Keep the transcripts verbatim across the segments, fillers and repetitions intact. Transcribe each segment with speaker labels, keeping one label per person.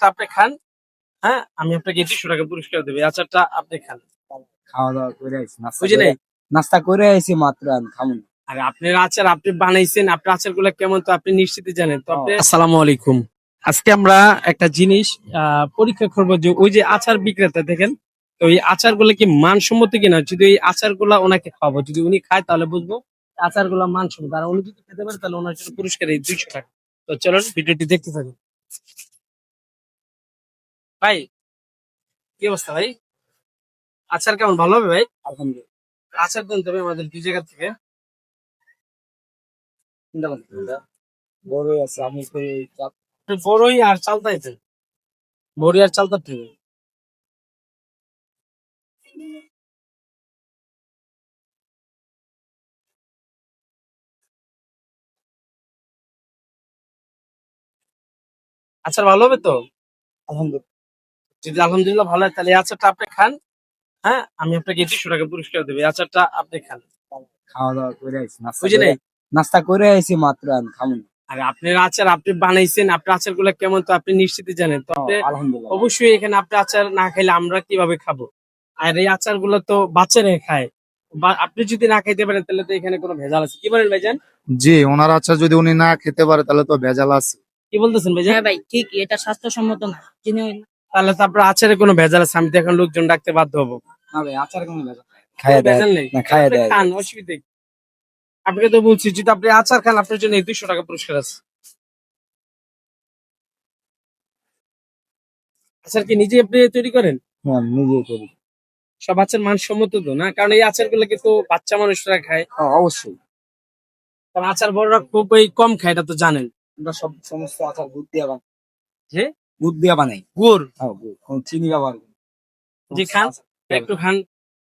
Speaker 1: আচারটা আপনি খান। হ্যাঁ, আমি আপনাকে দুইশো টাকা পুরস্কার দেব। এই আচারটা আপনি খান।
Speaker 2: খাওয়া দাওয়া করে আইছি, নাস্তা
Speaker 1: বুঝি
Speaker 2: করে
Speaker 1: নাই?
Speaker 2: নাস্তা করে আইছি মাত্র, আমি খামু না।
Speaker 1: আর আপনার আচার আপনি বানাইছেন, আপনার আচারগুলো কেমন তো আপনি নিশ্চিত জানেন। তো
Speaker 2: ও,
Speaker 1: আপনি আসসালামু আলাইকুম। আজকে আমরা একটা জিনিস আহ, পরীক্ষা করব যে ওই যে আচার বিক্রেতা দেখেন, তো এই আচারগুলো কি মানসম্মত কিনা। যদি এই আচারগুলা ওনাকে খাওয়াবো, যদি উনি খায় তাহলে বুঝবো আচারগুলা মানসম্মত। আর উনি যদি খেতে পারে তাহলে ওনার জন্য পুরস্কার এই দুইশো টাকা। তো চলুন ভিডিওটি দেখতে থাকুন। ভাই, কি অবস্থা ভাই? আচার কেমন, ভালো হবে ভাই?
Speaker 2: আলহামদুলিল্লাহ।
Speaker 1: আচার দেন তবে আমাদের দুই জায়গা থেকে।
Speaker 2: চিন্তা করতে হবে না। বড়ই আছে, আমি তো এই চাপ-
Speaker 1: আপনি বড়ই আর চালতাইতে, বড়ি আর চালতা থেকে। আচার ভালো হবে তো?
Speaker 2: আলহামদুলিল্লাহ।
Speaker 1: যদি আলহামদুলিল্লাহ ভালো হয় তাহলে এই আচারটা আপনি খান। হ্যাঁ, আমি আপনাকে দুইশো টাকা পুরস্কার দেবো। এই আচারটা আপনি খান।
Speaker 2: খাওয়া দাওয়া করে আইছি, নাস্তা
Speaker 1: বুঝি
Speaker 2: করে
Speaker 1: নাই?
Speaker 2: নাস্তা করে আইছি মাত্র, আমি খামু না।
Speaker 1: আর আপনার আচার আপনি বানাইছেন, আপনার আচার গুলা কেমন তো আপনি নিশ্চিত জানেন। তো
Speaker 2: ও,
Speaker 1: আপনি
Speaker 2: আলহামদুলিল্লাহ।
Speaker 1: অবশ্যই এখানে আপনি আচার না খাইলে আমরা কিভাবে খাবো? আর এই আচার গুলো তো বাচ্চারা খায়, বা আপনি যদি না খাইতে পারেন তাহলে তো এখানে কোনো ভেজাল আছে। কি বলেন ভাইজান?
Speaker 3: জি, ওনার আচার যদি উনি না খেতে পারে তাহলে তো ভেজাল আছে।
Speaker 1: কি বলতেছেন ভাইজান?
Speaker 4: হ্যাঁ ভাই, ঠিক, এটা স্বাস্থ্যসম্মত না। চিনি
Speaker 1: তাহলে তো আপনার আচারে কোনো ভেজাল আছে, আমি তো এখন লোকজন ডাকতে বাধ্য হবো।
Speaker 2: না ভাই, আচার কোনো ভেজাল নাই।
Speaker 1: কোনো
Speaker 2: খাইয়া দেয়
Speaker 1: ভেজাল নেই,
Speaker 2: না, খাইয়া
Speaker 1: আপনি
Speaker 2: দেয়।
Speaker 1: খান, অসুবিধা কি? আপনাকে তো বলছি যদি আপনি আচার খান আপনার জন্য এই দুইশো টাকা পুরস্কার আছে। আচার কি নিজে আপনি তৈরি করেন?
Speaker 2: হ্যাঁ, আমি নিজেই করি।
Speaker 1: সব আচার মানসম্মত তো না, কারণ এই আচার গুলো কিন্তু বাচ্চা মানুষরা খায়।
Speaker 2: হ্যাঁ, অবশ্যই।
Speaker 1: কারণ আচার বড়রা খুবই কম খায়, এটা তো জানেন।
Speaker 2: আমরা সব সমস্ত আচার দুধ দিয়ে বানাই।
Speaker 1: যে
Speaker 2: দুধ দিয়ে বানাই।
Speaker 1: গুড়।
Speaker 2: হ্যাঁ, গুড়। কোনো চিনি ব্যবহার করি না।
Speaker 1: যে
Speaker 2: সমস্ত
Speaker 1: খান,
Speaker 2: আচার দুধ দিয়ে
Speaker 1: একটু খান।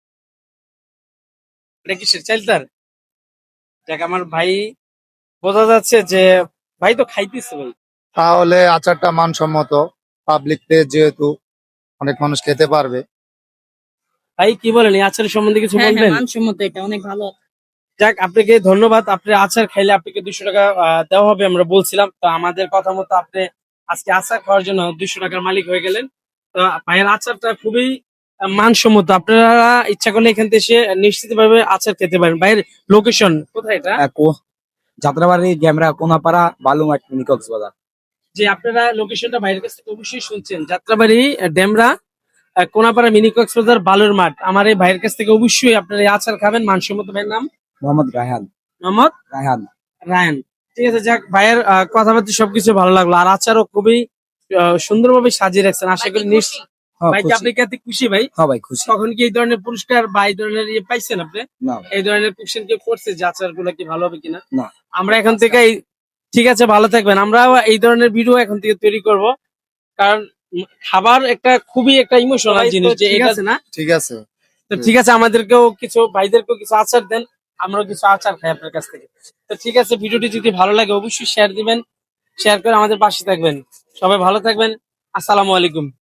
Speaker 1: এটা কিসের চাইলতার? দেখ আমার ভাই, বোঝা যাচ্ছে যে ভাই তো খাইতেছে ভাই।
Speaker 3: তাহলে আচারটা মানসম্মত, পাবলিক প্লেস যেহেতু অনেক মানুষ খেতে পারবে।
Speaker 1: ভাই কি বলেন এই আচারের সম্বন্ধে কিছু
Speaker 4: হ্যাঁ হ্যাঁ,
Speaker 1: বলবেন?
Speaker 4: মানসম্মত, এটা অনেক ভালো।
Speaker 1: যাক, আপনাকে ধন্যবাদ। আপনি আচার খাইলে আপনাকে দুশো টাকা আহ, দেওয়া হবে আমরা বলছিলাম। তো আমাদের কথা মতো আপনি আজকে আচার খাওয়ার জন্য দুশো টাকার মালিক হয়ে গেলেন। তো ভাইয়ের আচারটা খুবই আহ, মানসম্মত। আপনারা ইচ্ছা করলে এখান থেকে এসে নিশ্চিত ভাবে আচার খেতে পারেন। ভাইয়ের লোকেশন কোথায় এটা?
Speaker 2: হ্যাঁ, কো- যাত্রাবাড়ি, গ্যামরা, কোনাপাড়া, বালুমাঠ, মিনি কক্সবাজার।
Speaker 1: যে আপনারা লোকেশনটা বাইরের কাছ থেকে অবশ্যই শুনছেন, যাত্রাবাড়ি, আহ, ডেমরা, আহ, কোনাপাড়া, মিনি কক্সবাজার, বালুর মাঠ। আমার এই ভাইয়ের কাছ থেকে অবশ্যই আপনারা এই আচার খাবেন। মানসম্মত ভাইয়ের নাম
Speaker 2: মোহাম্মদ রায়হান।
Speaker 1: মোহাম্মদ
Speaker 2: রায়হান।
Speaker 1: রায়ন। ঠিক আছে, যাক ভাইয়ের আহ, কথাবার্তা সবকিছু ভালো লাগলো। আর আচারও খুবই আহ, সুন্দরভাবে সাজিয়ে রাখছেন। আশা করি নিশ্চয়
Speaker 2: হ্যাঁ,
Speaker 1: ভাই কি
Speaker 2: খুশি।
Speaker 1: আপনি কি এতে খুশি ভাই?
Speaker 2: হ্যাঁ ভাই, খুশি।
Speaker 1: তখন কি এই ধরনের পুরস্কার বা এই ধরনের ইয়ে পাইছেন আপনি?
Speaker 2: না ভাই,
Speaker 1: এই ধরনের কোশ্চেন কি করছে যে আচার গুলা কি ভালো হবে কিনা?
Speaker 2: না।
Speaker 1: আমরা এখন থেকে এই- ঠিক আছে, ভালো থাকবেন। আমরা এই ধরনের ভিডিও এখন থেকে তৈরি করব, কারণ উম, খাবার একটা খুবই একটা ইমোশনাল জিনিস, যে এটা আছে না।
Speaker 3: ঠিক আছে।
Speaker 1: তো ঠিক আছে, আমাদেরকেও কিছু ভাইদেরকেও কিছু আচার দেন, আমরাও কিছু আচার খাই আপনার কাছ থেকে। তো ঠিক আছে, ভিডিওটি যদি ভালো লাগে অবশ্যই শেয়ার দিবেন, শেয়ার করে আমাদের পাশে থাকবেন। সবাই ভালো থাকবেন। আসসালামু আলাইকুম।